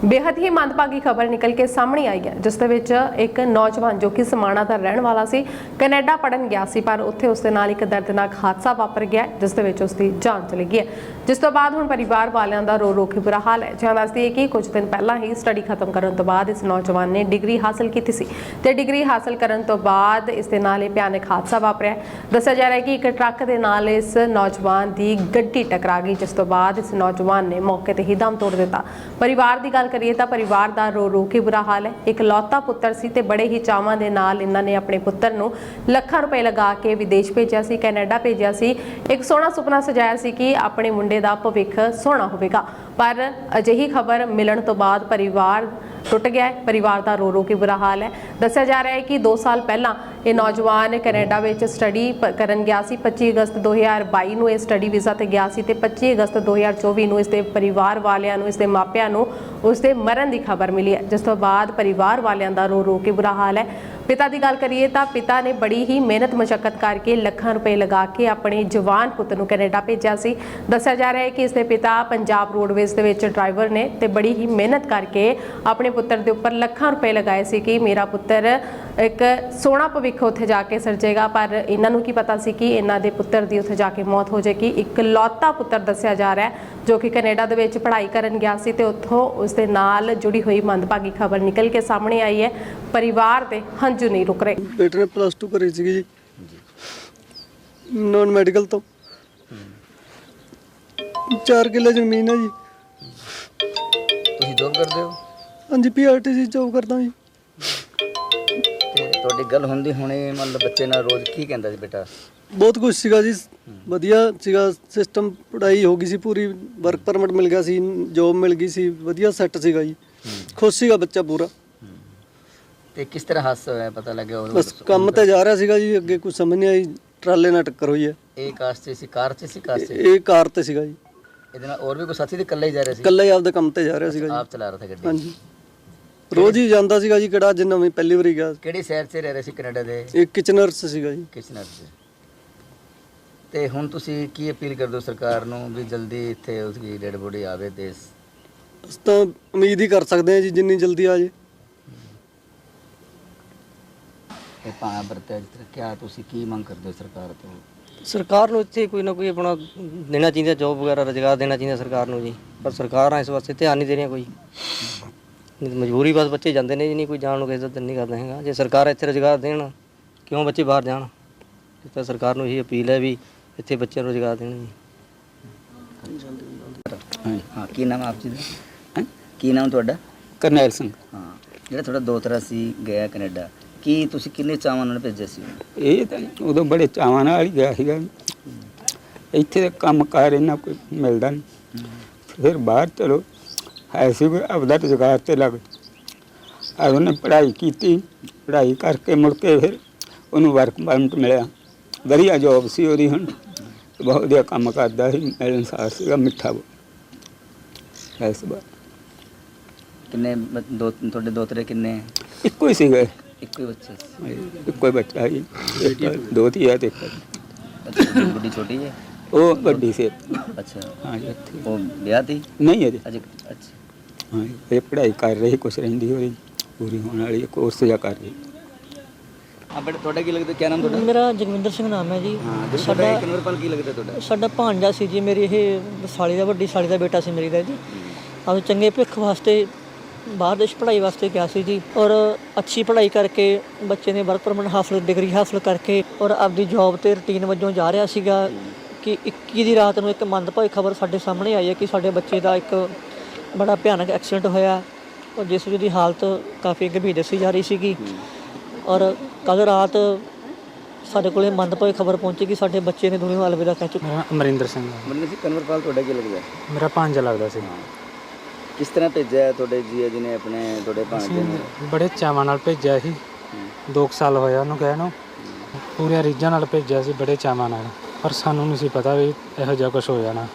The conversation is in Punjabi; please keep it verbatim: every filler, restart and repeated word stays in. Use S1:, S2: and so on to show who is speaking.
S1: बेहद ही मंदभागी खबर निकल के सामने आई है, जिस दे विच एक नौजवान जो कि समाणा दा रहण वाला सी कनेडा पढ़न गया सी, पर उत्थे उसदे नाल एक दर्दनाक हादसा वापर गया जिस दे विच उसदी जान चली गई है। जिस तो बाद हुण परिवार वालियां दा रो रो के बुरा हाल है। जिवें दसदी है कि कुछ दिन पहला ही स्टडी खत्म करन तो बाद इस नौजवान ने डिग्री हासिल की सी ते डिग्री हासिल करन तो बाद इस दे नाल भयानक हादसा वापरिया। दस्सिया जा रहा है कि एक ट्रक दे नाल इस नौजवान दी गड्डी टकरा गई, जिस तो बाद इस नौजवान ने मौके ते ही दम तोड़ दिता। परिवार दी गल करिए तां परिवार दा रो रो के बुरा हाल है। एक लौता पुत्तर सी ते बड़े ही चावां दे नाल इन्हां ने अपने पुत्तर नूं ਲੱਖਾਂ रुपए लगा के विदेश भेजिया सी, कैनेडा भेजिया सी। एक सोहना सुपना सजाया सी कि अपने मुंडे दा भविख सोहना होवेगा, पर अजिही खबर मिलण तो बाद परिवार टुट गया है। परिवार का रो रो के बुरा हाल है। दस्सिया जा रहा है कि दो साल पहला ये नौजवान कैनेडा में स्टडी करन गया सी। पच्ची अगस्त दो हज़ार बाई नूं स्टडी वीज़ा ते गया सी ते पच्ची अगस्त दो हज़ार चौबी नूं इसके परिवार वालियां नूं इसके मापियां नूं उसके मरण की खबर मिली है, जिस तो बाद परिवार वालियां दा रो रो के बुरा हाल है। पिता की गल करिए तो पिता ने बड़ी ही मेहनत मशक्कत करके लखां रुपए लगा के अपने जवान पुत नूं कैनेडा भेजा सी। दस्सिया जा रहा है कि इसके पिता पंजाब रोडवेज दे विच ड्राइवर ने ते बड़ी ही मेहनत करके अपने पुत्र के उपर लखां रुपए लगाए सी कि मेरा पुत्र एक सोहना भविख उत्थे जाके सिरजेगा, पर इन्हां नूं की पता सी कि इन्हां दे पुत्र दी उत्थे जाके मौत हो जाएगी। एक लौता पुत्र दस्सिया जा रहा है जो कि कैनेडा दे विच पढ़ाई करन गया सी ते उत्थों उसदे नाल जुड़ी हुई मंदभागी खबर निकल के सामने आई है। परिवार दे हंझू नहीं रुक रहे।
S2: बेटे ने प्लस टू करी सी जी नॉन मैडिकल तो चार किले ਜ਼ਮੀਨ है जी।
S3: ਤੁਸੀਂ ਜੋਬ ਕਰਦੇ ਹੋ?
S2: हाँ जी, पीआरटीसी जॉब करता जी।
S3: ਤੇ ਤੁਹਾਡੀ ਗੱਲ ਹੁੰਦੀ ਹੁਣੇ ਮਤਲਬ ਬੱਚੇ ਨਾਲ ਰੋਜ਼ ਕੀ ਕਹਿੰਦਾ ਸੀ ਬੇਟਾ?
S2: ਬਹੁਤ ਕੁਝ ਸੀਗਾ ਜੀ, ਵਧੀਆ ਸੀਗਾ ਸਿਸਟਮ, ਪੜ੍ਹਾਈ ਹੋ ਗਈ ਸੀ ਪੂਰੀ, ਵਰਕ ਪਰਮਿਟ ਮਿਲ ਗਿਆ ਸੀ, ਜੋਬ ਮਿਲ ਗਈ ਸੀ, ਵਧੀਆ ਸੈੱਟ ਸੀਗਾ ਜੀ, ਖੁਸ਼ ਸੀਗਾ ਬੱਚਾ ਪੂਰਾ।
S3: ਤੇ ਕਿਸ ਤਰ੍ਹਾਂ ਹਾਦਸਾ ਹੋਇਆ ਪਤਾ ਲੱਗਿਆ? ਉਹ
S2: ਬਸ ਕੰਮ ਤੇ ਜਾ ਰਿਹਾ ਸੀਗਾ ਜੀ, ਅੱਗੇ ਕੁਝ ਸਮਝ ਨਹੀਂ ਆਈ, ਟਰਾਲੇ ਨਾਲ ਟੱਕਰ ਹੋਈ ਹੈ।
S3: ਇਹ ਕਾਰ 'ਚ ਸੀ? ਕਾਰ 'ਚ ਸੀ? ਕਾਰ 'ਚ?
S2: ਇਹ ਕਾਰ ਤੇ ਸੀਗਾ ਜੀ।
S3: ਇਹਦੇ ਨਾਲ ਹੋਰ ਵੀ ਕੋਈ ਸਾਥੀ ਤੇ ਇਕੱਲਾ ਹੀ ਜਾ ਰਿਹਾ ਸੀ?
S2: ਇਕੱਲਾ ਹੀ ਆਪਦੇ ਕੰਮ ਤੇ ਜਾ ਰਿਹਾ ਸੀਗਾ ਜੀ।
S3: ਆਪ ਚਲਾ ਰਿਹਾ ਸੀ ਗੱਡੀ?
S2: ਹਾਂਜੀ, ਰੋਜ਼ ਹੀ ਜਾਂਦਾ ਸੀਗਾ ਜੀ, ਕਿਹੜਾ ਜਿੰਨਾ ਵੀ ਪਹਿਲੀ ਵਾਰੀ ਗਿਆ।
S3: ਕਿਹੜੇ ਸ਼ਹਿਰ 'ਚ ਰਹਿ ਰਹੇ ਸੀ ਕੈਨੇਡਾ ਦੇ?
S2: ਇਹ ਕਿਚਨਰਸ ਸੀਗਾ ਜੀ।
S3: ਕਿਚਨਰ 'ਚ। ਤੇ ਹੁਣ ਤੁਸੀਂ ਕੀ ਅਪੀਲ ਕਰਦੇ ਹੋ ਸਰਕਾਰ ਨੂੰ ਵੀ ਜਲਦੀ ਇੱਥੇ ਉਸਦੀ ਡੈਡ ਬੋਡੀ ਆਵੇ? ਤੇ
S2: ਅਸੀਂ ਤਾਂ ਉਮੀਦ ਹੀ ਕਰ ਸਕਦੇ ਹਾਂ ਜੀ ਜਿੰਨੀ ਜਲਦੀ ਆ ਜੇ।
S3: ਇਹ ਪਾਣਾ ਵਰਤਿਆ ਜਿਸ ਤਰ੍ਹਾਂ ਕਿਆ ਤੁਸੀਂ ਕੀ ਮੰਗ ਕਰਦੇ ਹੋ ਸਰਕਾਰ ਤੋਂ?
S4: ਸਰਕਾਰ ਨੂੰ ਇੱਥੇ ਕੋਈ ਨਾ ਕੋਈ ਆਪਣਾ ਦੇਣਾ ਚਾਹੀਦਾ, ਜੋਬ ਵਗੈਰਾ ਰੁਜ਼ਗਾਰ ਦੇਣਾ ਚਾਹੀਦਾ ਸਰਕਾਰ ਨੂੰ ਜੀ, ਪਰ ਸਰਕਾਰਾਂ ਇਸ ਵਾਸਤੇ ਧਿਆਨ ਨਹੀਂ ਦੇ ਰਹੀਆਂ। ਕੋਈ ਮਜਬੂਰੀ ਬਸ ਬੱਚੇ ਜਾਂਦੇ ਨੇ ਜੀ, ਨਹੀਂ ਕੋਈ ਜਾਣ ਨੂੰ ਕਿਸੇ ਦਾ ਦਿਲ ਨਹੀਂ ਕਰਦਾ ਹੈਗਾ। ਜੇ ਸਰਕਾਰ ਇੱਥੇ ਰੁਜ਼ਗਾਰ ਦੇਣ ਕਿਉਂ ਬੱਚੇ ਬਾਹਰ ਜਾਣ? ਇਸ ਤਾਂ ਸਰਕਾਰ ਨੂੰ ਇਹੀ ਅਪੀਲ ਹੈ ਵੀ ਇੱਥੇ ਬੱਚਿਆਂ ਨੂੰ ਰੁਜ਼ਗਾਰ ਦੇਣ ਜੀ।
S3: ਹਾਂ, ਕੀ ਨਾਮ ਆਪ ਜੀ ਦਾ? ਕੀ ਨਾਮ ਤੁਹਾਡਾ?
S5: ਕਰਨੈਲ ਸਿੰਘ।
S3: ਹਾਂ, ਜਿਹੜਾ ਤੁਹਾਡਾ ਦੋਤਰਾ ਸੀ ਗਿਆ ਕੈਨੇਡਾ, ਕੀ ਤੁਸੀਂ ਕਿੰਨੇ ਚਾਵਾਂ ਨਾਲ ਭੇਜਿਆ ਸੀ?
S5: ਇਹ ਤਾਂ ਉਦੋਂ ਬੜੇ ਚਾਵਾਂ ਨਾਲ ਹੀ ਗਿਆ ਸੀਗਾ। ਇੱਥੇ ਤਾਂ ਕੰਮ ਕਾਰ ਇਹਨਾਂ ਕੋਈ ਮਿਲਦਾ ਨਹੀਂ, ਫਿਰ ਬਾਹਰ ਚਲੋ ਹੈ ਸੀ ਕੋਈ ਆਪਦਾ ਰੁਜ਼ਗਾਰ ਤੇ ਲੱਗ ਆ। ਉਹਨੇ ਪੜ੍ਹਾਈ ਕੀਤੀ, ਪੜ੍ਹਾਈ ਕਰਕੇ ਮੁੜ ਕੇ ਫਿਰ ਉਹਨੂੰ ਵਰਕ ਪਰਮਿਟ ਮਿਲਿਆ, ਵਧੀਆ ਜੋਬ ਸੀ ਉਹਦੀ, ਹੁਣ ਬਹੁਤ ਵਧੀਆ ਕੰਮ ਕਰਦਾ ਸੀ, ਮਿਲਣਸਾਰ ਸੀਗਾ, ਮਿੱਠਾ ਐਸ ਬਾਰ।
S3: ਕਿੰਨੇ ਬ- ਦੋ ਤੁਹਾਡੇ ਦੋਤਰੇ ਕਿੰਨੇ?
S5: ਇੱਕੋ ਹੀ ਸੀਗਾ,
S3: ਇੱਕੋ ਹੀ ਬੱਚਾ ਸੀ?
S5: ਇੱਕੋ ਹੀ ਬੱਚਾ ਸੀ, ਇੱਕ ਦੋ ਧੀ ਹੈ ਤੇ ਇੱਕ
S3: ਅੱਛਾ, ਵੱਡੀ ਛੋਟੀ ਹੈ?
S5: ਉਹ ਵੱਡੀ ਸੀ।
S3: ਅੱਛਾ,
S5: ਹਾਂ ਜੀ, ਇੱਥੇ
S3: ਉਹ ਵਿਆਹ ਤੀ?
S5: ਨਹੀਂ ਅਜੇ।
S3: ਅਜੇ? ਅੱਛਾ।
S5: ਹਾਂ, ਇਹ ਪੜ੍ਹਾਈ ਕਰ ਰਹੀ, ਕੁਛ ਰਹਿੰਦੀ ਹੋਈ ਪੂਰੀ ਹੋਣ ਵਾਲੀ ਕੋਰਸ ਜਾ ਕਰ ਰਹੀ।
S3: ਹਾਂ ਬੇਟਾ, ਤੁਹਾਡਾ ਕੀ ਲੱਗਦਾ? ਕੀ ਨਾਮ ਤੁਹਾਡਾ?
S6: ਮੇਰਾ ਜਗਵਿੰਦਰ ਸਿੰਘ ਨਾਮ ਹੈ ਜੀ।
S3: ਹਾਂ, ਜਿਹੜਾ
S6: ਸਾਡਾ
S3: ਤੁਹਾਡਾ ਕਨਵਰਪਾਲ ਕੀ ਲੱਗਦਾ ਤੁਹਾਡਾ?
S6: ਸਾਡਾ ਭਾਂਜਾ ਸੀ ਜੀ, ਮੇਰੀ ਇਹ ਸਾਲੀ ਦਾ, ਵੱਡੀ ਸਾਲੀ ਦਾ ਬੇਟਾ ਸੀ ਮੇਰੀ ਦਾ ਜੀ। ਆਪ ਚੰਗੇ ਭਵਿੱਖ ਵਾਸਤੇ ਬਾਹਰ ਦੇਸ਼ ਪੜ੍ਹਾਈ ਵਾਸਤੇ ਗਿਆ ਸੀ ਜੀ, ਔਰ ਅੱਛੀ ਪੜ੍ਹਾਈ ਕਰਕੇ ਬੱਚੇ ਨੇ ਵਰਕ ਪਰਮਿਟ ਹਾਸਲ, ਡਿਗਰੀ ਹਾਸਲ ਕਰਕੇ ਔਰ ਆਪਦੀ ਜੌਬ ਤੇ ਰੂਟੀਨ ਵਜੋਂ ਜਾ ਰਿਹਾ ਸੀਗਾ ਕਿ ਇੱਕੀ ਦੀ ਰਾਤ ਨੂੰ ਇੱਕ ਮੰਦਭਾਗੀ ਖਬਰ ਸਾਡੇ ਸਾਹਮਣੇ ਆਈ ਹੈ ਕਿ ਸਾਡੇ ਬੱਚੇ ਦਾ ਇੱਕ ਬੜਾ ਭਿਆਨਕ ਐਕਸੀਡੈਂਟ ਹੋਇਆ, ਔਰ ਜਿਸ ਦੀ ਹਾਲਤ ਕਾਫੀ ਗੰਭੀਰ ਦੱਸੀ ਜਾ ਰਹੀ ਸੀਗੀ। ਔਰ ਕੱਲ੍ਹ ਰਾਤ ਸਾਡੇ ਕੋਲੇ ਮੰਦਭਾਗੀ ਖਬਰ ਪਹੁੰਚੀ ਕਿ ਸਾਡੇ ਬੱਚੇ ਨੇ ਦੁਨੀਆ ਨੂੰ ਅਲਵਿਦਾ ਕਹਿ ਚੁੱਕੇ।
S7: ਮੇਰਾ ਅਮਰਿੰਦਰ ਸਿੰਘ ਆ।
S3: ਮੈਨੂੰ ਸੀ ਕਨਵਰਪਾਲ ਤੁਹਾਡਾ ਕੀ ਲੱਗਦਾ?
S7: ਮੇਰਾ ਭਾਂਜਾ ਲੱਗਦਾ ਸੀ।
S3: ਕਿਸ ਤਰ੍ਹਾਂ ਭੇਜਿਆ ਤੁਹਾਡੇ ਜੀਆ ਜੀ ਨੇ ਆਪਣੇ ਤੁਹਾਡੇ ਭਾਂਜੇ ਨੂੰ?
S7: ਬੜੇ ਚਾਵਾਂ ਨਾਲ ਭੇਜਿਆ ਸੀ, ਦੋ ਕੁ ਸਾਲ ਹੋਇਆ ਉਹਨੂੰ ਗਏ ਨੂੰ, ਪੂਰੇ ਰੀਝਾਂ ਨਾਲ ਭੇਜਿਆ ਸੀ, ਬੜੇ ਚਾਵਾਂ ਨਾਲ, ਪਰ ਸਾਨੂੰ ਨਹੀਂ ਸੀ ਪਤਾ ਵੀ ਇਹੋ ਜਿਹਾ ਕੁਝ ਹੋ ਜਾਣਾ।